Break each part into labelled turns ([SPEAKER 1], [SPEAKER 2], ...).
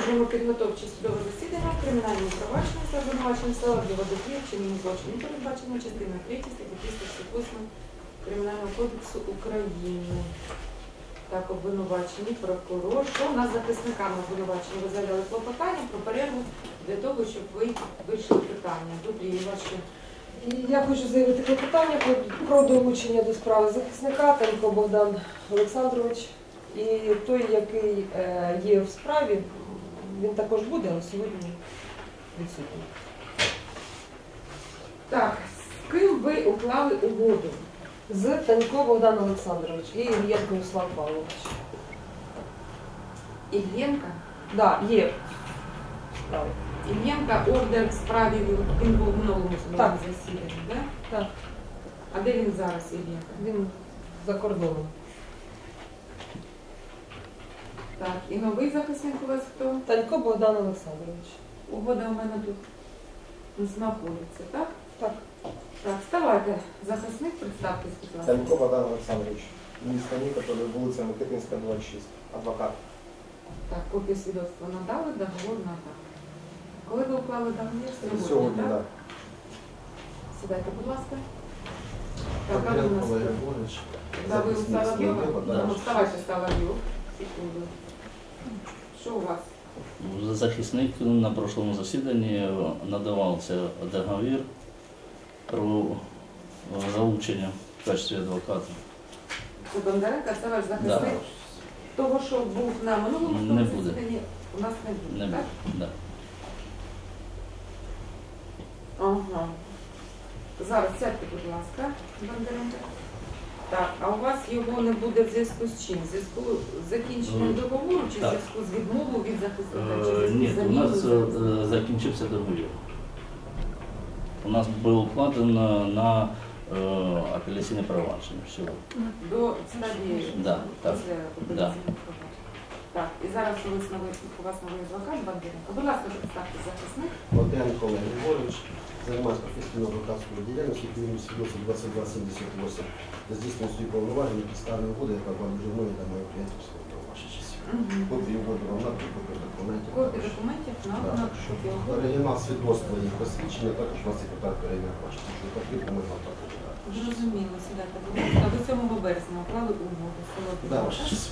[SPEAKER 1] Продовжуємо підготовче судове засідання в кримінальному провадженні за обвинуваченням Соловйова до вчинення злочину, передбачено частиною 3 статті 358 Кримінального кодексу України. Так, обвинувачені, прокурор. Що у нас з захисниками обвинувачені? Ви заявляли клопотання про перерву для того, щоб ви вийшли питання. Добрі, ваші.
[SPEAKER 2] Я хочу заявити клопотання про долучення до справи захисника Танько Богдан Олександрович. І той, який є в справі, він також буде, але сьогодні відсутній.
[SPEAKER 1] Так, з ким ви уклали угоду?
[SPEAKER 2] З Танько Богдан Олександрович і Ільєнко Руслан Павлович.
[SPEAKER 1] Ільєнка?
[SPEAKER 2] Так, є справи.
[SPEAKER 1] Ільєнка ордер в справі, він був в минулому судовому засіданні, так?
[SPEAKER 2] Так.
[SPEAKER 1] А де він зараз, Ільєнка?
[SPEAKER 2] Він за кордоном.
[SPEAKER 1] Так, і новий захисник у вас хто?
[SPEAKER 2] Танько Богдан Олександрович.
[SPEAKER 1] Угода у мене тут знаходиться, так?
[SPEAKER 2] Так.
[SPEAKER 1] Так, вставайте. Захисник, представтесь, будь ласка.
[SPEAKER 3] Танько Богдан Олександрович, місто Нікополь, вулиця Микитинська, 26, адвокат.
[SPEAKER 1] Так, копію свідоцтва надали, договор надали. Коли ви уклали договір?
[SPEAKER 3] Сьогодні,
[SPEAKER 1] так?
[SPEAKER 3] так.
[SPEAKER 1] Сідайте, будь ласка. Так, а ви у нас? Да, ви у Соловйова? Вставайте, Соловйов. Секунду. Що у вас?
[SPEAKER 4] Захисник на прошлому засіданні надавався договір про залучення в качестві адвоката.
[SPEAKER 1] Це Бондаренко, це ваш захисник?
[SPEAKER 4] Да.
[SPEAKER 1] Того, що був на минулому
[SPEAKER 4] Не
[SPEAKER 1] судовому
[SPEAKER 4] буде.
[SPEAKER 1] засіданні, у нас не буде,
[SPEAKER 4] Не
[SPEAKER 1] так?
[SPEAKER 4] буде. Да.
[SPEAKER 1] Ага. Зараз сядьте, будь ласка, Бондаренко. Так, а у вас його не буде в зв'язку з чим? В зв'язку з закінченням договору чи в
[SPEAKER 4] Так.
[SPEAKER 1] зв'язку з відмовою від захисника? Чи в зв'язку
[SPEAKER 4] Ні,
[SPEAKER 1] з
[SPEAKER 4] у нас
[SPEAKER 1] заміною?
[SPEAKER 4] закінчився договір. У нас було укладено на апеляційне провадження всього.
[SPEAKER 1] До стадії
[SPEAKER 4] Да, так.
[SPEAKER 1] після апеляційного провадження. Так, і зараз у вас новий адвокат Бондаренко. Будь ласка, представте захисник.
[SPEAKER 3] Богдан Григорович, займаюся професійною адвокатською діяльністю, керівник свідоцтва 2278. Здійснюю свої повноваження, підставні угоди, яка була дуже мною та моє приятельство до ваших часів. Копії угоди вам надо, копії документів.
[SPEAKER 1] Копії документів на копію угоди.
[SPEAKER 3] Оригінал свідоцтва і посвідчення, також у вас секретар перевіряє ваші. Якщо потрібно, можна також.
[SPEAKER 1] Зрозуміло, сідайте, будь ласка. До 7 березня уклали угоду.
[SPEAKER 3] Да, ваші часи.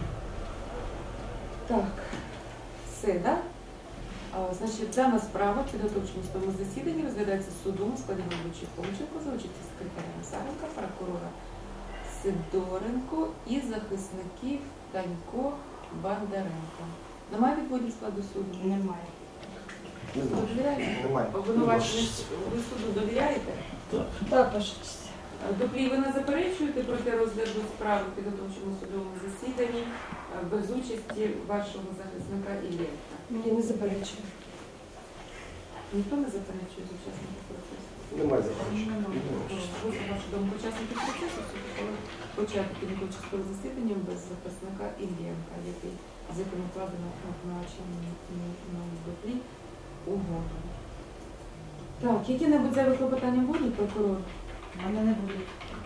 [SPEAKER 1] Так, все, так? Значить, дана справа в підготовчому судовому засіданні розглядається судом у складі головуючої Хомченко за участі секретаря Назаренка, прокурора Сидоренко і захисників Танько Бондаренко. Немає відводів складу суду?
[SPEAKER 5] Немає.
[SPEAKER 3] Не
[SPEAKER 1] Ви
[SPEAKER 3] знаю.
[SPEAKER 1] довіряєте?
[SPEAKER 3] Немає.
[SPEAKER 1] Обвинувачений, ви суду довіряєте?
[SPEAKER 4] Так.
[SPEAKER 2] Так, ваша честь.
[SPEAKER 1] Доплі, ви не заперечуєте проти розгляду справи в підготовчому судовому засіданні без участі вашого захисника Іллєнка?
[SPEAKER 2] Ні, не заперечую.
[SPEAKER 1] Ніхто не заперечує з учасників процесу?
[SPEAKER 3] Немає заперечень.
[SPEAKER 1] Ви, на вашу думку, учасників процесу, коли почати підготовчого засідання без захисника Іллєнка, з яким укладено на доплі угоду. Так, які-небудь зайві клопотання будуть, прокурор?
[SPEAKER 5] У мене не буде.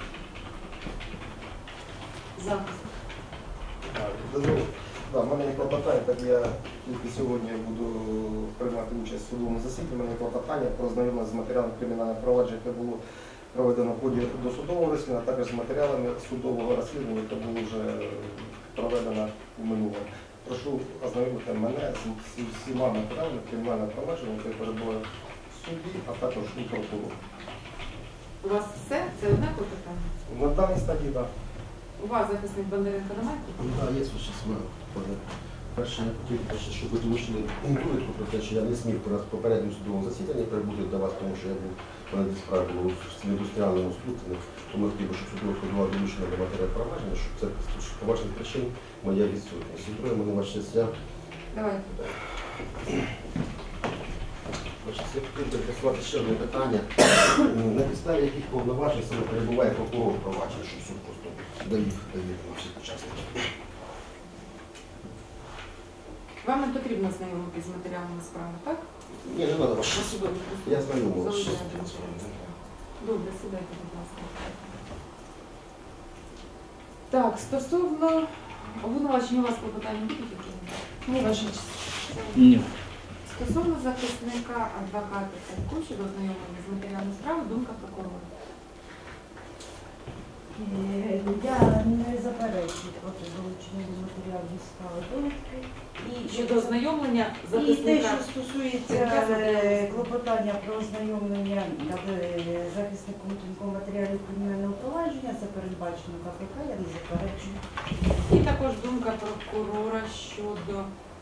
[SPEAKER 1] Захист.
[SPEAKER 3] У мене є клопотання, так я тільки сьогодні буду приймати участь в судовому засіданні. У мене є клопотання про знайомлення з матеріалами кримінального провадження, яке було проведено в ході досудового розслідування, а також з матеріалами судового розслідування, яке було вже проведено в минулому. Прошу ознайомити мене з всіма матеріалами кримінального провадження, яке перебуває в суді, а також у прокурору.
[SPEAKER 1] У вас все? Це одне клопотання?
[SPEAKER 3] На даній стадії, так.
[SPEAKER 1] У вас захисник Бондаренко немає?
[SPEAKER 6] Так, є щось перше, я хотів, щоб ви долучили довідку про те, що я не зміг при попередньому судовому засіданні прибути до вас, тому що я був в мене справі було в індустріальному сплутанні, тому я хотів, щоб судовка була долучена до матеріалу провадження, щоб це по ваших причин моя відсутність. І друге, мене ваше честь,
[SPEAKER 1] Давайте.
[SPEAKER 6] я хотів би присувати ще одне питання, на підставі яких повноважень саме перебуває прокурор провадження, щоб суд просто довів на всіх учасників.
[SPEAKER 1] Вам не потрібно знайомитись з матеріалами справи, так?
[SPEAKER 6] Ні, не треба ваше. Я знайомий.
[SPEAKER 1] Добре, сідайте, будь ласка. Так, стосовно обвинувачення у вас клопотання будуть які?
[SPEAKER 2] Ні, ваша честь.
[SPEAKER 4] Ні.
[SPEAKER 1] Стосовно захисника адвоката Царько щодо ознайомлення з матеріалами справи, думка прокурора.
[SPEAKER 5] Я не заперечую проти долучення до матеріалів справи довідки.
[SPEAKER 1] Щодо ознайомлення
[SPEAKER 5] І те,
[SPEAKER 1] захисника.
[SPEAKER 5] що стосується клопотання про ознайомлення захисником тонкого матеріалів кримінального провадження, це передбачено КПК, я не заперечую.
[SPEAKER 1] І також думка прокурора щодо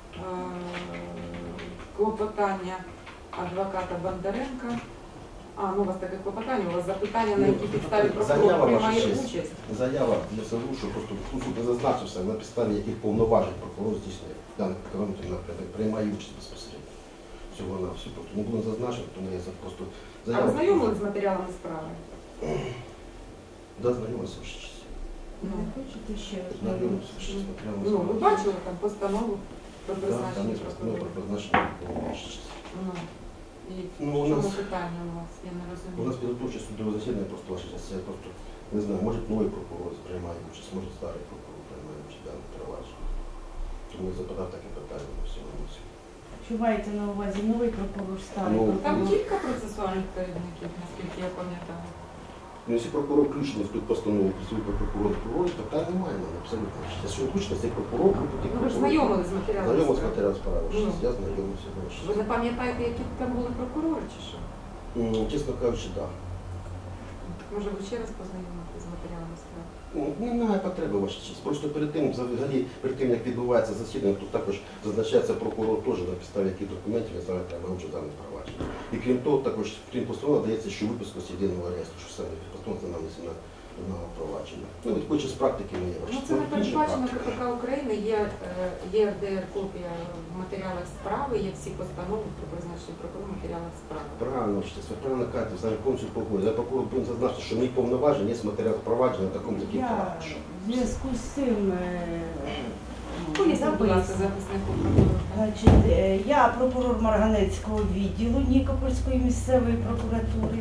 [SPEAKER 1] клопотання адвоката Бондаренка. Ну у вас таке клопотання, у вас запитання, на якій підставі прокурор
[SPEAKER 6] Заява,
[SPEAKER 1] приймає
[SPEAKER 6] ваша честь.
[SPEAKER 1] участь.
[SPEAKER 6] Заява для суду, що просто суд не зазначився, на підставі яких повноважень прокурор здійснює даний керівник напрямок, приймає участь безпосередньо. Всього на все просто не було зазначено, тому я просто
[SPEAKER 1] А
[SPEAKER 6] заяву.
[SPEAKER 1] ви знайомились з матеріалами справи?
[SPEAKER 6] Да, знайомився ваша честь.
[SPEAKER 1] Ну,
[SPEAKER 5] Не хочете ще
[SPEAKER 6] Знайомився ваша честь. матеріалами
[SPEAKER 1] ви
[SPEAKER 6] справи.
[SPEAKER 1] бачили там постанову про
[SPEAKER 6] Да, там
[SPEAKER 1] призначення
[SPEAKER 6] є постанова про
[SPEAKER 1] прокурора?
[SPEAKER 6] призначення прокурора, ваша честь.
[SPEAKER 1] І
[SPEAKER 6] Ну,
[SPEAKER 1] в
[SPEAKER 6] у
[SPEAKER 1] чому
[SPEAKER 6] нас-
[SPEAKER 1] питання у вас? Я не
[SPEAKER 6] У нас
[SPEAKER 1] розумію.
[SPEAKER 6] підготовче судове засідання, просто ваша честь, я просто не знаю, може новий прокурор приймає участь, може старий прокурор приймає участь в даному провадженні. Тому я запитав таке питання на всьому місці.
[SPEAKER 5] Що маєте на увазі новий прокурор, старий
[SPEAKER 6] Ну,
[SPEAKER 1] Там
[SPEAKER 5] прокурор?
[SPEAKER 1] кілька процесуальних керівників, наскільки я пам'ятаю.
[SPEAKER 6] Ну, якщо прокурор включений в під постанову працює прокурор, питань немає, ну, абсолютно. Якщо включено, цей прокурор, то тоді
[SPEAKER 1] Ну, ви ж знайомились з матеріалами
[SPEAKER 6] Знайомий з
[SPEAKER 1] справи?
[SPEAKER 6] матеріалом справи,
[SPEAKER 1] Ну.
[SPEAKER 6] я знайомився.
[SPEAKER 1] Ви не пам'ятаєте, які там були прокурори чи що?
[SPEAKER 6] Чесно кажучи, так.
[SPEAKER 1] Може ви ще раз познайомитися з матеріалами справи?
[SPEAKER 6] Немає потреби, ваша честь. Просто перед тим, взагалі, перед тим, як відбувається засідання, тут також зазначається прокурор теж на підставі яких документів він саме приймає участь в даному провадженні. І крім того, також крім постанови дається ще випуск з єдиного реєстру, що саме постанова це нанесена на провадження. Ну, відходячи з практики ми є.
[SPEAKER 1] Ну, це не передбачено КПК України, є ЄРДР копія в матеріалах справи, є всі постанови про призначення прокурора в матеріалах справи.
[SPEAKER 6] Правильно, що ви правильно кажете, взагалі повністю погоджуюсь. Я прокурор повинен зазначити, що мій повноважень є матеріал провадження на такому таким
[SPEAKER 5] Я
[SPEAKER 6] факту.
[SPEAKER 5] в зв'язку з цим
[SPEAKER 1] Поясніть, будь ласка, захиснику прокурора.
[SPEAKER 5] Значить, я прокурор Марганецького відділу Нікопольської місцевої прокуратури,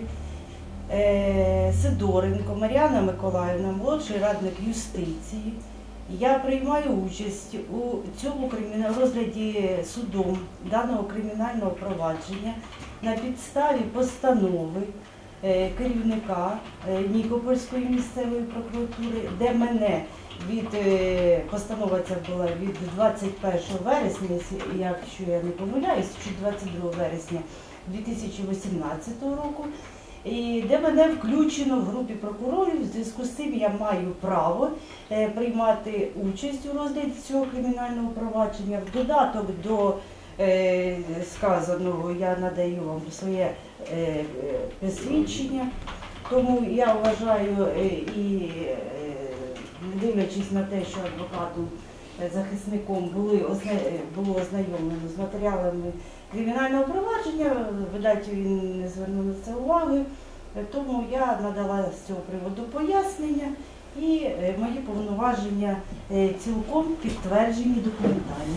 [SPEAKER 5] Сидоренко Мар'яна Миколаївна, молодший радник юстиції. Я приймаю участь у цьому розгляді судом даного кримінального провадження на підставі постанови керівника Нікопольської місцевої прокуратури, де мене постанова ця була від 21 вересня, якщо я не помиляюсь, чи 22 вересня 2018 року, і де мене включено в групі прокурорів. В зв'язку з цим я маю право приймати участь у розгляді цього кримінального провадження. В додаток до сказаного я надаю вам своє посвідчення, тому я вважаю і не дивлячись на те, що адвокатом захисником було ознайомлено з матеріалами кримінального провадження, видать, він не звернув на це уваги, тому я надала з цього приводу пояснення і мої повноваження цілком підтверджені документально.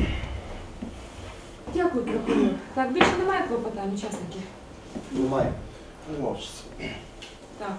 [SPEAKER 1] Дякую, прокурор. Так, більше немає клопотань учасників?
[SPEAKER 3] Немає.
[SPEAKER 6] Не мовчиться.
[SPEAKER 1] Так.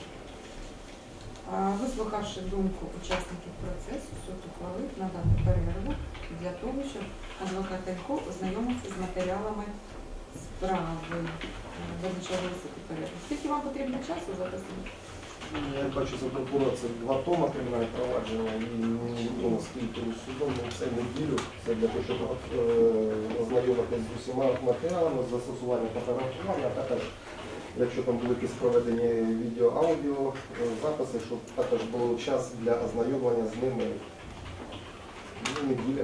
[SPEAKER 1] Вислухавши думку учасників процесу, суд ухвалив надати перерву для того, щоб адвокат Телько ознайомився з матеріалами справи. Визначали високу перерву. Скільки вам потрібно часу записати?
[SPEAKER 3] Я бачу за прокурора це 2 тома кримінальне провадження і невідомо скільки судом, це неділю. Це для того, щоб ознайомитися з усіма матеріалами, з застосуванням фотографування, а також, якщо там були якісь проведені відео-аудіо записи, щоб також був час для ознайомлення з ними. Неділя.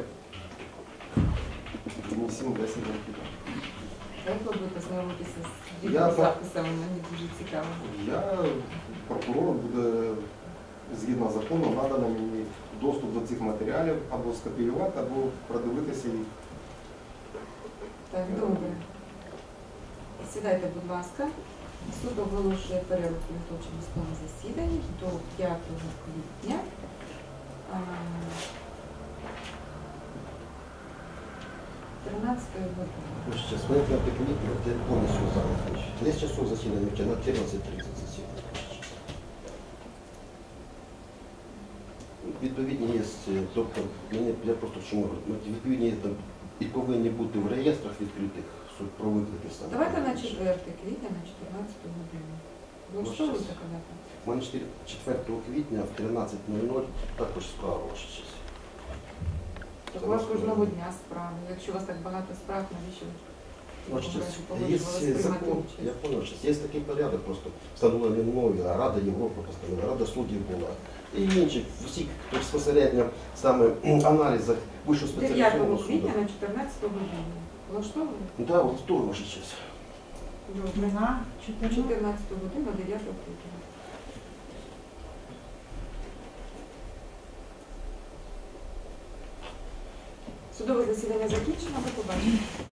[SPEAKER 3] 7-10 років.
[SPEAKER 1] Як ви будете знайомитися з
[SPEAKER 3] Я
[SPEAKER 1] відеозаписами? Мені дуже цікаво.
[SPEAKER 3] Прокурор буде, згідно закону, надано мені доступ до цих матеріалів або скопіювати, або продивитися їх.
[SPEAKER 1] Так, добре. Сідайте, будь ласка. Суд оголошує перерву в підготовчому судовому засіданні до 5 квітня. 13 години.
[SPEAKER 6] Сейчас, мы это я полностью занят. 10 часов засідання, у тебя на 14:30 засідання. відповідні є, тобто, я просто чому говорю, відповідні є там і повинні бути в реєстрах відкритих про виклики саме.
[SPEAKER 1] Давайте на 4 квітня на 14 годину. Влаштовує така дата?
[SPEAKER 6] У мене 4 квітня в 13:00 також справа ваша честь.
[SPEAKER 1] Так у вас кожного дня справи. Якщо у вас так багато справ, навіщо ви
[SPEAKER 6] Ваша честь,
[SPEAKER 1] погоджувалися
[SPEAKER 6] є
[SPEAKER 1] приймати
[SPEAKER 6] закон,
[SPEAKER 1] участь?
[SPEAKER 6] я понял, що є такий порядок, просто встановлений мною, а Рада Європи постановила, Рада суддів була. І інші, всі, хто безпосередньо саме аналізах вищого
[SPEAKER 1] 9
[SPEAKER 6] спеціалізованого суду.
[SPEAKER 1] квітня на 14 годину. Влаштовує?
[SPEAKER 6] Да, вот второй ваша честь.
[SPEAKER 1] Добре.
[SPEAKER 5] На 14.
[SPEAKER 1] 14 годину 9 квітня. Судове засідання закінчено. До побачення.